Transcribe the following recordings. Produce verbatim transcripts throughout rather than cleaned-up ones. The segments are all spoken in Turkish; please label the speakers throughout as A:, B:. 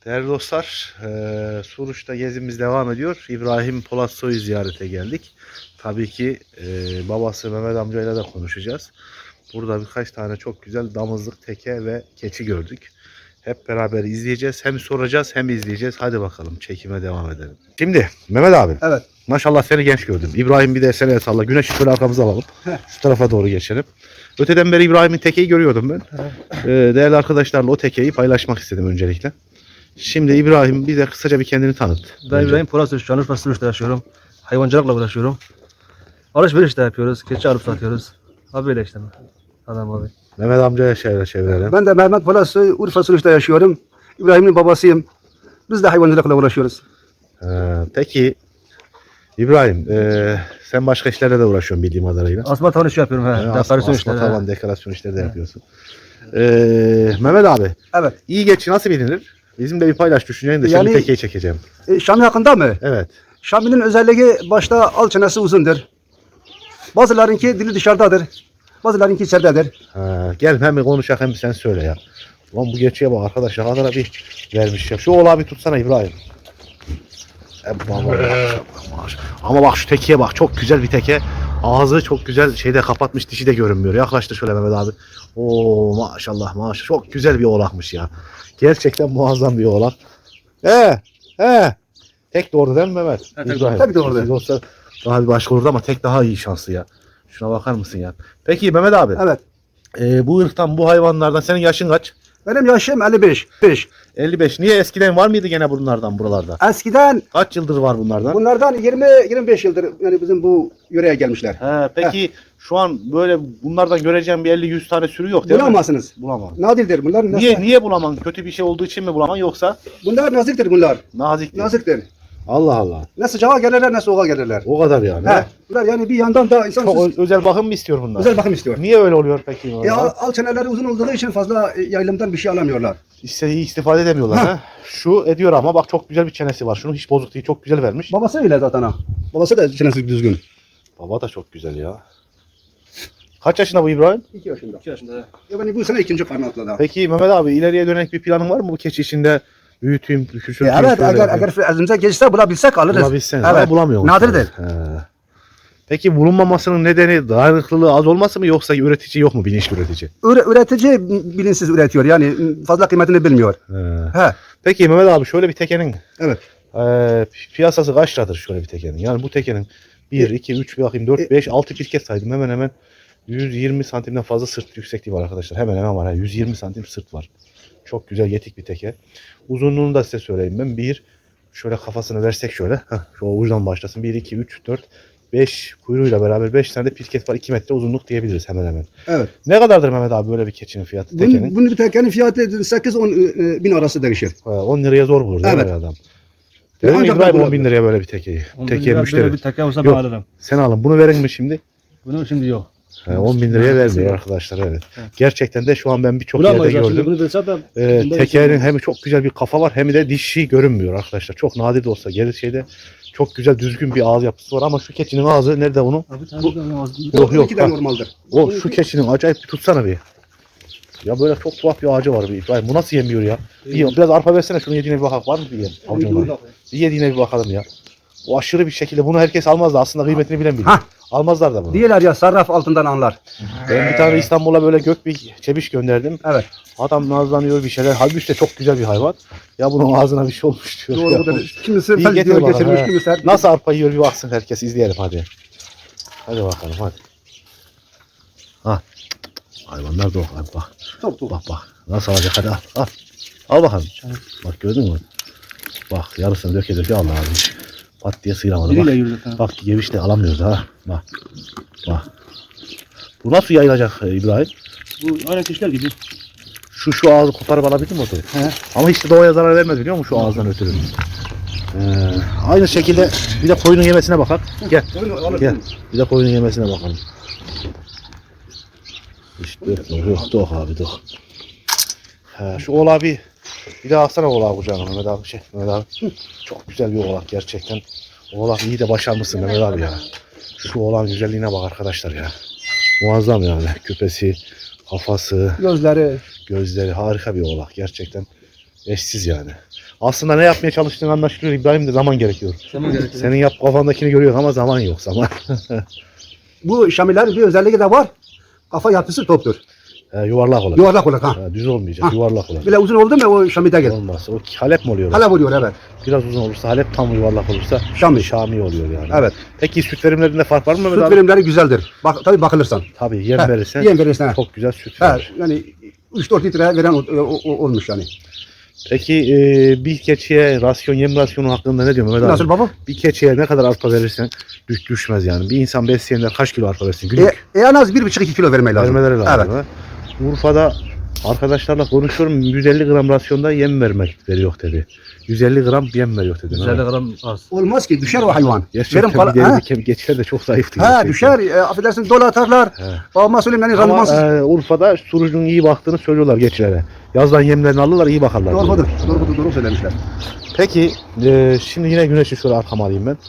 A: Değerli dostlar, e, Suruç'ta gezimiz devam ediyor. İbrahim Polatsoy'u ziyarete geldik. Tabii ki e, babası Mehmet amcayla da konuşacağız. Burada birkaç tane çok güzel damızlık, teke ve keçi gördük. Hep beraber izleyeceğiz. Hem soracağız hem izleyeceğiz. Hadi bakalım çekime devam edelim. Şimdi Mehmet abi.
B: Evet.
A: Maşallah seni genç gördüm. İbrahim bir de seni salla. Güneşi şöyle arkamıza alalım.
B: Heh.
A: Şu tarafa doğru geçelim. Öteden beri İbrahim'in tekeyi görüyordum ben. Ee, değerli arkadaşlarla o tekeyi paylaşmak istedim öncelikle. Şimdi İbrahim bize kısaca bir kendini tanıt.
B: Ben
A: Önce.
B: İbrahim Polatsoy, Şanlıurfa Suruç'ta yaşıyorum. Hayvancılıkla uğraşıyorum. Alışveriş de yapıyoruz. Keçi alıp satıyoruz. Abi öyle işte. Adam abi.
A: Mehmet amcaya şöyle çevirelim.
C: Ben de Mehmet Polatsoy, Urfa Suruç'ta yaşıyorum. İbrahim'in babasıyım. Biz de hayvancılıkla uğraşıyoruz.
A: Ee, peki İbrahim e, sen başka işlerle de uğraşıyorsun bildiğim kadarıyla.
B: Asma tavan işi yapıyorum. He.
A: Yani
B: Dekorasyon
A: asma,
B: işleri.
A: asma
B: he.
A: tavan, dekorasyon işleri de yapıyorsun. Ee, Mehmet abi,
C: Evet.
A: iyi geçi nasıl bilinir? Bizim de bir paylaş düşünceyin de
C: Yani-
A: şimdi tekeyi çekeceğim.
C: E, Şami hakkında mı?
A: Evet.
C: Şami'nin özelliği başta al çenesi uzundur. Bazılarınki dili dışarıdadır. Bazılarınki içeridedir.
A: Ha, gel hem bir konuşak hem sen söyle ya. Ulan bu geçiye bak arkadaş, ne kadar bir vermiş ya. Şu oğlağı bir tutsana İbrahim. E, baba, maşallah, maşallah. Ama bak şu tekeye bak, çok güzel bir teke. Ağzı çok güzel şeyde kapatmış, dişi de görünmüyor. Yaklaştır şöyle Mehmet abi. Oo maşallah maşallah, çok güzel bir oğlakmış ya. Gerçekten muazzam bir oğlak. He he. Tek doğru değil mi Mehmet?
B: Evet, tek
A: İbrahim.
C: doğru. Tek doğru.
A: Siz olsa daha bir başka olurdu ama tek daha iyi şanslı ya. Şuna bakar mısın ya? Peki Mehmet abi.
C: Evet.
A: Ee, bu ırktan, bu hayvanlardan senin yaşın kaç?
C: Benim yaşım elli beş. beş.
A: elli beş. Niye eskiden var mıydı gene bunlardan buralarda?
C: Eskiden
A: Kaç yıldır var bunlardan?
C: bunlardan yirmi yirmi beş yıldır yani bizim bu yöreye gelmişler.
A: He, peki şu an böyle bunlardan göreceğim bir elli yüz tane sürü yok değil mi?
C: Bulamazsınız.
A: Bulamam.
C: Nadirdir bunlar.
A: Niye
C: Nasıl-
A: niye bulamam? Kötü bir şey olduğu için mi bulamam yoksa
C: Bunlar naziktir bunlar.
A: nazik değil?
C: Naziktir.
A: Allah Allah.
C: Ne sıcağa gelirler ne soğuğa gelirler.
A: O kadar yani.
C: He. Bunlar yani bir yandan da insan
A: Çok ö- özel bakım mı istiyor bunlar?
C: özel bakım istiyor.
A: Niye öyle oluyor peki?
C: E, al, al çeneleri uzun olduğu için fazla e, yayılımdan bir şey alamıyorlar.
A: İstediği istifade edemiyorlar ha. Şu ediyor ama bak çok güzel bir çenesi var. Şunun hiç bozuk değil. Çok güzel vermiş.
C: Babası öyle zaten ha. Babası da çenesi düzgün.
A: Baba da çok güzel ya. Kaç yaşında bu İbrahim?
C: iki yaşında.
B: İki yaşında. he.
C: Yani bu sene ikinci karnı atladı. ha.
A: Peki Mehmet abi, ileriye dönük bir planın var mı bu keçi içinde? Büyüteyim,
C: E,
A: küçülteyim.
C: evet
A: şöyle
C: eğer,
A: yapayım.
C: eğer elimize geçse bulabilsek alırız.
A: Bulabilseniz
C: Evet.
A: ama bulamıyor musunuz?
C: Nadirdir.
A: He. Peki bulunmamasının nedeni dayanıklılığı az olması mı yoksa üretici yok mu, bilinçli üretici?
C: Üre- üretici bilinçsiz üretiyor yani fazla kıymetini bilmiyor.
A: He.
C: He.
A: Peki Mehmet abi, şöyle bir tekenin
C: Evet.
A: e, piyasası kaç liradır şöyle bir tekenin? Yani bu tekenin bir, iki, üç, bir bakayım dört, beş, altı pirket saydım, hemen hemen yüz yirmi santimden fazla sırt yüksekliği var arkadaşlar. Hemen hemen var. yüz yirmi santim sırt var. Çok güzel yetik bir teke. Uzunluğunu da size söyleyeyim ben. Bir, şöyle kafasını versek şöyle. Heh, şu ucundan başlasın. bir, iki, üç, dört, beş kuyruğuyla beraber beş tane de pirket var. iki metre uzunluk diyebiliriz hemen hemen.
C: Evet.
A: Ne kadardır Mehmet abi böyle bir keçinin fiyatı? Tekenin?
C: Bunun, bunun bir tekenin fiyatı sekiz on bin arası değişir.
A: Ha, on liraya zor bulur değil mi
C: Evet.
A: adam? Değil mi
C: Ancak
A: İbrahim,
C: ben
A: on bin liraya böyle bir tekeyi?
B: On bin
A: Tekeye
B: lira
A: müşteri.
B: Böyle bir teke olsa ben
A: Yok.
B: alırım.
A: Sen alın. Bunu verin mi şimdi?
B: Bunu şimdi yok.
A: He, on bin liraya vermiyor arkadaşlar, evet.
B: Evet.
A: Gerçekten de şu an ben birçok yerde
B: Bulamayız aslında.
A: gördüm.
B: Bunu bilse ben.
A: Ee,
B: bunda
A: tekerin
B: bir şey
A: hem çok güzel bir kafa var hem de dişi görünmüyor arkadaşlar. Çok nadir de olsa gelir şeyde çok güzel düzgün bir ağız yapısı var ama şu keçinin ağzı nerede onun?
B: Abi,
A: Bu-
B: tabii, ağzı-
A: Yok, yok,
C: İki de
A: ha.
C: normaldir.
A: O şu keçinin acayip bir tutsana bir. Ya böyle çok tuhaf bir ağacı var bir İbrahim. Bu nasıl yemiyor ya? Bir, biraz arpa versene, şunu yediğine bir bakalım. Var mı bir yem? Avucuna. Bir yediğine bir bakalım ya. O aşırı bir şekilde bunu herkes almaz da aslında kıymetini bilen bilir.
C: Hah.
A: Almazlar da bunu.
C: Diyorlar ya sarraf altından anlar.
A: Ben bir tane İstanbul'a böyle gök bir çebiş gönderdim.
C: Evet.
A: Adam nazlanıyor bir şeyler. Halbuki de çok güzel bir hayvan. Ya bunun ağzına bir şey olmuş diyor.
C: Doğru
A: Ya.
C: budur. Kimisi
A: İyi
C: fel
A: getir
C: diyor
A: bakalım,
C: geçirmiş,
A: he.
C: kimisi her...
A: Nasıl arpa yiyor bir baksın herkes, izleyelim hadi. Hadi bakalım hadi. Ha. Hayvanlar da bak bak.
C: Çok çok.
A: Bak bak. Nasıl alacak, hadi al al. Al bakalım. Bak gördün mü? Bak yarısını döke döke al abi. Pat diye sıyıramadı
B: Biriyle
A: bak.
B: yürüdük. ha.
A: Bak geviş de alamıyoruz ha. Bak. Bak. Bu nasıl yayılacak e, İbrahim?
B: Bu aynı kişiler gibi.
A: Şu şu ağzı koparıp alabildin mi o tabii?
B: He.
A: Ama hiç de doğaya zarar vermez biliyor musun şu ağızdan ötürü? Ee, aynı şekilde bir de koyunun yemesine bakar. Gel. Gel. Bir de koyunun yemesine bakalım. İşte yok yok abi yok. He, şu oğlağı bir bir daha alsana oğlağı kucağına Mehmet abi. Şey, Mehmet abi. Çok güzel bir oğlak gerçekten. Oğlak iyi de başarmışsın Mehmet abi ya. Şu oğlağın güzelliğine bak arkadaşlar ya. Muazzam yani. Küpesi, kafası,
C: Gözleri.
A: gözleri harika bir oğlak gerçekten. Eşsiz yani. Aslında ne yapmaya çalıştığını anlaşılıyor İbrahim de zaman gerekiyor.
B: Zaman gerekiyor.
A: Senin yap kafandakini görüyorsun ama zaman yok zaman.
C: Bu Şamilerin bir özelliği de var. Kafa yapısı toptur.
A: He, yuvarlak olacak.
C: Yuvarlak olur ha.
A: He, düz olmayacak
C: Ha.
A: yuvarlak olacak.
C: Bile uzun oldu mu o Şami'de gel.
A: Olmaz. O Halep mi oluyor?
C: Hala vuruyor evet.
A: Biraz uzun olursa Halep, tam yuvarlak olursa
C: Şami.
A: Şami oluyor yani.
C: Evet.
A: Peki süt verimlerinde fark var mı Mehmet
C: Süt
A: abi?
C: verimleri güzeldir. Bak, tabii bakılırsan.
A: Tabii yem
C: He,
A: verirsen
C: yem verirsen.
A: çok güzel süt
C: Ha,
A: verir.
C: yani üç dört litre veren o- o- o- olmuş yani.
A: Peki e, bir keçiye rasyon, yem rasyonu hakkında ne diyor Mehmet abi?
C: Nasıl baba?
A: Bir keçiye ne kadar arpa verirsen düş, düşmez yani. Bir insan besleyenler kaç kilo arpa versin?
C: E,
A: Günlük
C: e, en az bir buçuk iki kilo vermeyi lazım.
A: vermeleri lazım.
C: Evet.
A: Ha? Urfa'da arkadaşlarla konuşuyorum, yüz elli gram rasyonda yem vermek veriyor dedi. yüz elli gram yem veriyor dedi.
B: yüz elli gram az.
C: Olmaz ki düşer o hayvan.
A: Gerçekten
C: Verim kal-
A: bir
C: ha?
A: deri kem geçer de çok zayıftı.
C: Ha
A: gerçekten.
C: düşer. E, affedersin dolu atarlar.
A: He.
C: Babama söyleyeyim yani
A: Ama
C: randımansız.
A: e, Urfa'da surucunun iyi baktığını söylüyorlar geçilere. Yazdan yemlerini alırlar, iyi bakarlar.
C: Doğrudur.
A: diyorlar.
C: Doğrudur. Doğru söylemişler.
A: Peki e, şimdi yine güneşi şöyle arkama alayım ben.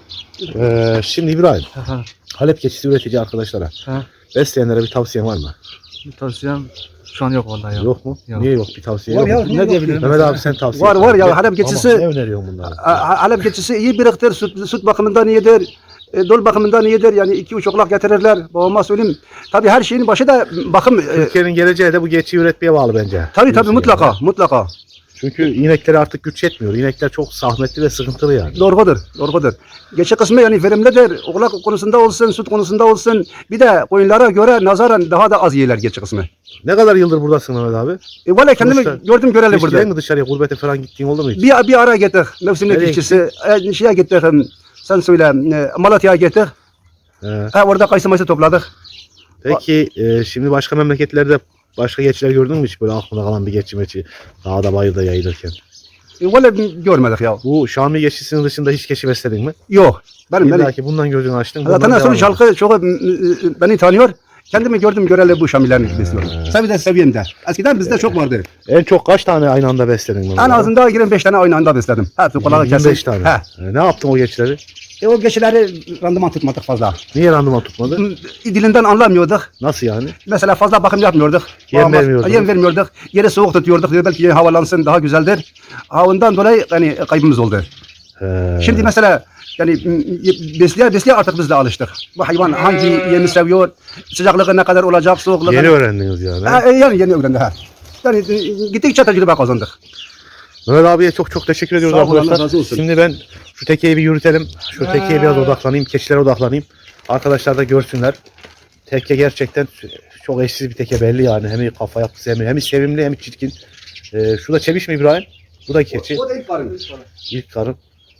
A: E, şimdi İbrahim,
B: Ha,
A: Halep keçisi üretici arkadaşlara,
B: ha.
A: besleyenlere bir tavsiyen var mı?
B: Bir tavsiyem şu an yok vallahi ya.
A: Yok mu?
B: Yok.
A: Niye yok bir tavsiye
C: Var
A: yok
C: ya,
A: mu?
C: niye
B: Ne
C: yok
B: diyebilirim?
A: Mehmet abi sen tavsiye
C: Var,
A: et.
C: var ya,
A: Ne-
C: Halep keçisi-
A: Ama ne öneriyorsun bunları?
C: A- Halep keçisi iyi biriktir. Süt, süt bakımından iyidir. E, dol bakımından iyidir. Yani iki üç oklak getirirler. Babama söyleyeyim. Tabii her şeyin başı da bakım. E,
A: Türkiye'nin geleceği de bu keçiyi üretmeye bağlı bence.
C: tabii tabii
A: Diyorsun
C: mutlaka.
A: yani.
C: Mutlaka.
A: Çünkü inekleri artık güç yetmiyor. İnekler çok zahmetli ve sıkıntılı yani.
C: Doğrudur. Doğrudur. Geçe kısmı yani verimlidir. Oklak konusunda olsun, süt konusunda olsun. Bir de koyunlara göre nazaran daha da az yiyorlar geçe kısmı.
A: Ne kadar yıldır buradasın Mehmet abi?
C: E, valla kendimi
A: Sonuçta-
C: gördüm göreli
A: Hiç
C: burada.
A: giden mi dışarıya gurbete falan gittiğin oldu mu hiç?
C: Bir, bir ara gittik. Mevsimlik
A: Nereye
C: işçisi. E, şeye gittik. em, Sen söyle. e, Malatya'ya gittik.
A: He.
C: Ha, orada kayısı mayısı topladık.
A: Peki e, şimdi başka memleketlerde başka geçiler gördün mü hiç böyle aklına kalan bir geçi meçi dağda bayırda yayılırken?
C: E, valla görmedik ya.
A: Bu Şami geçisinin dışında hiç keçi besledin mi?
C: Yok. Benim
A: İlla
C: beni.
A: ki bundan gözünü açtın. bundan
C: Zaten
A: devam
C: sonuç
A: ediyorsun.
C: halkı çok e, e, beni tanıyor. Kendimi gördüm göreli bu Şamilerini besliyorum. Tabii de seviyemde. Eskiden bizde çok vardı.
A: En çok kaç tane aynı anda besledin? Mehmet
C: En
A: abi?
C: azından yirmi beş tane aynı anda besledim. Hepsi kulağı
A: yirmi beş
C: kesin.
A: tane.
C: He.
A: E, ne yaptın o geçileri?
C: E, o geçileri randıman tutmadık fazla.
A: Niye randıman tutmadı?
C: Dilinden anlamıyorduk.
A: Nasıl yani?
C: Mesela fazla bakım yapmıyorduk.
A: Yem
C: Babama-
A: vermiyordunuz.
C: Yem vermiyorduk. Yeri soğuk tutuyorduk. Diyor, belki havalansın daha güzeldir. Ha, ondan dolayı yani kaybımız oldu.
A: He.
C: Şimdi mesela yani m, besleye besleye artık biz de alıştık. Bu hayvan hangi yemi seviyor, sıcaklığı ne kadar olacak, soğukluğu.
A: Yeni öğrendiniz yani.
C: Ha, e, yani yeni öğrendi ha. Yani e, gittikçe tecrübe kazandık.
A: Mehmet abiye çok çok teşekkür ediyoruz
C: Sağ olun, Allah
A: arkadaşlar.
C: razı olsun.
A: Şimdi ben şu tekeyi bir yürütelim. Şu tekeye biraz odaklanayım. Keçilere odaklanayım. Arkadaşlar da görsünler. Teke gerçekten çok eşsiz bir teke belli yani. Hem kafa yapısı hem, hem sevimli hem çirkin. Ee, şu da çeviş mi İbrahim? Bu da keçi.
C: O da ilk karın.
A: İlk karın.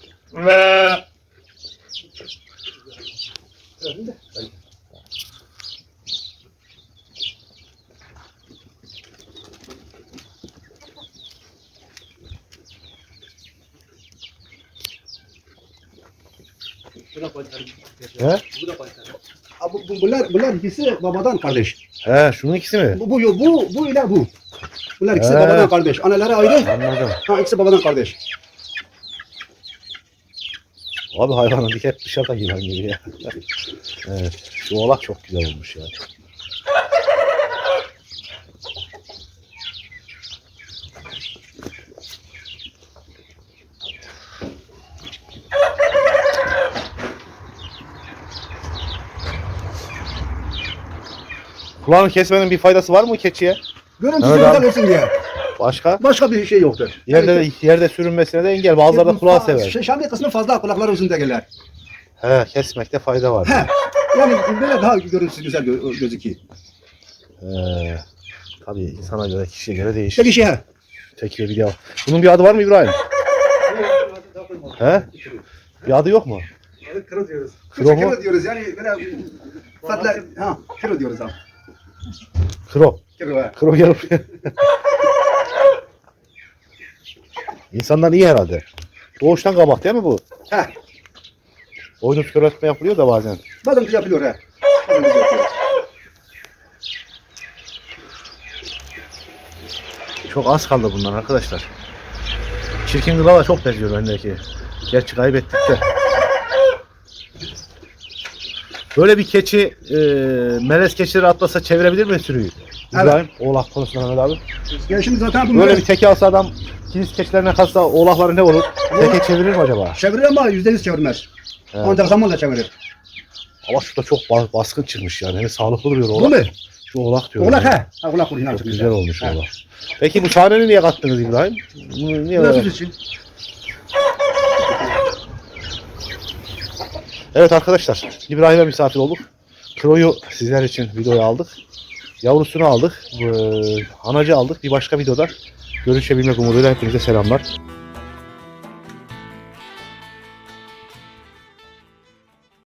A: He?
C: Ha, bu, bu, bunlar, bunlar ikisi babadan kardeş.
A: He, şunun ikisi mi?
C: Bu, bu, bu, bu ile bu. Bunlar ikisi
A: He.
C: babadan kardeş. Anaları ayrı.
A: Anladım.
C: Ha, ikisi babadan kardeş.
A: Abi hayvanın dik hep dışarıda yılan gibi ya. Evet. Şu oğlak çok güzel olmuş ya. Kulağını kesmenin bir faydası var mı keçiye?
C: Görüntüsü
A: Evet
C: güzel
A: abi.
C: olsun diye.
A: Başka?
C: Başka bir şey yoktur.
A: Yerde yerde sürünmesine de engel. Bazıları da kulağı sever.
C: Ş- Şamil kısmı fazla kulakları uzun değiller.
A: He, kesmekte fayda var.
C: He. Yani böyle daha görüntüsü güzel gö- gözüküyor.
A: He. Tabii insana göre, kişiye göre değişir.
C: Peki şey he.
A: Tekrar bir daha. Bunun bir adı var mı İbrahim? He? Bir adı yok mu?
C: Kırı diyoruz.
A: Kırı mu?
C: Kırı diyoruz yani böyle fatla ha kırı diyoruz ha.
A: Kro.
C: Kırı he.
A: Kro gel buraya. İnsanlar iyi herhalde. Doğuştan kabak değil mi bu?
C: He.
A: Boynuz köreltme yapılıyor da bazen.
C: Bazen de yapılıyor he. Bazen de yapılıyor.
A: Çok az kaldı bundan arkadaşlar. Çirkin gıdala çok benziyor bendeki. Gerçi kaybettik de. Böyle bir keçi e, melez keçileri atlasa çevirebilir mi sürüyü? İbrahim, oğlak konusunda Mehmet abi.
C: Ya şimdi zaten bunlar
A: Böyle bir teke alsa adam kilis keçilerine kalsa oğlakları ne olur? Teke çevirir mi acaba?
C: çevirir ama yüzde yüz çevirmez.
A: Evet.
C: Ancak zamanla çevirir.
A: Ama şurada çok ba- baskın çıkmış yani. Hem sağlıklı duruyor
C: Bu
A: oğlak.
C: mu?
A: Şu oğlak diyorum.
C: Oğlak
A: ya.
C: he. Ha oğlak kurun.
A: Çok güzel olmuş oğlak. Peki bu sahneni niye kattınız İbrahim? Bunu Niye
C: Nasıl
A: böyle?
C: için?
A: Evet arkadaşlar, İbrahim'e misafir olduk. Kroyu sizler için videoya aldık. Yavrusunu aldık. Ee, Anacı aldık. Bir başka videoda görüşebilmek umuduyla hepinize selamlar.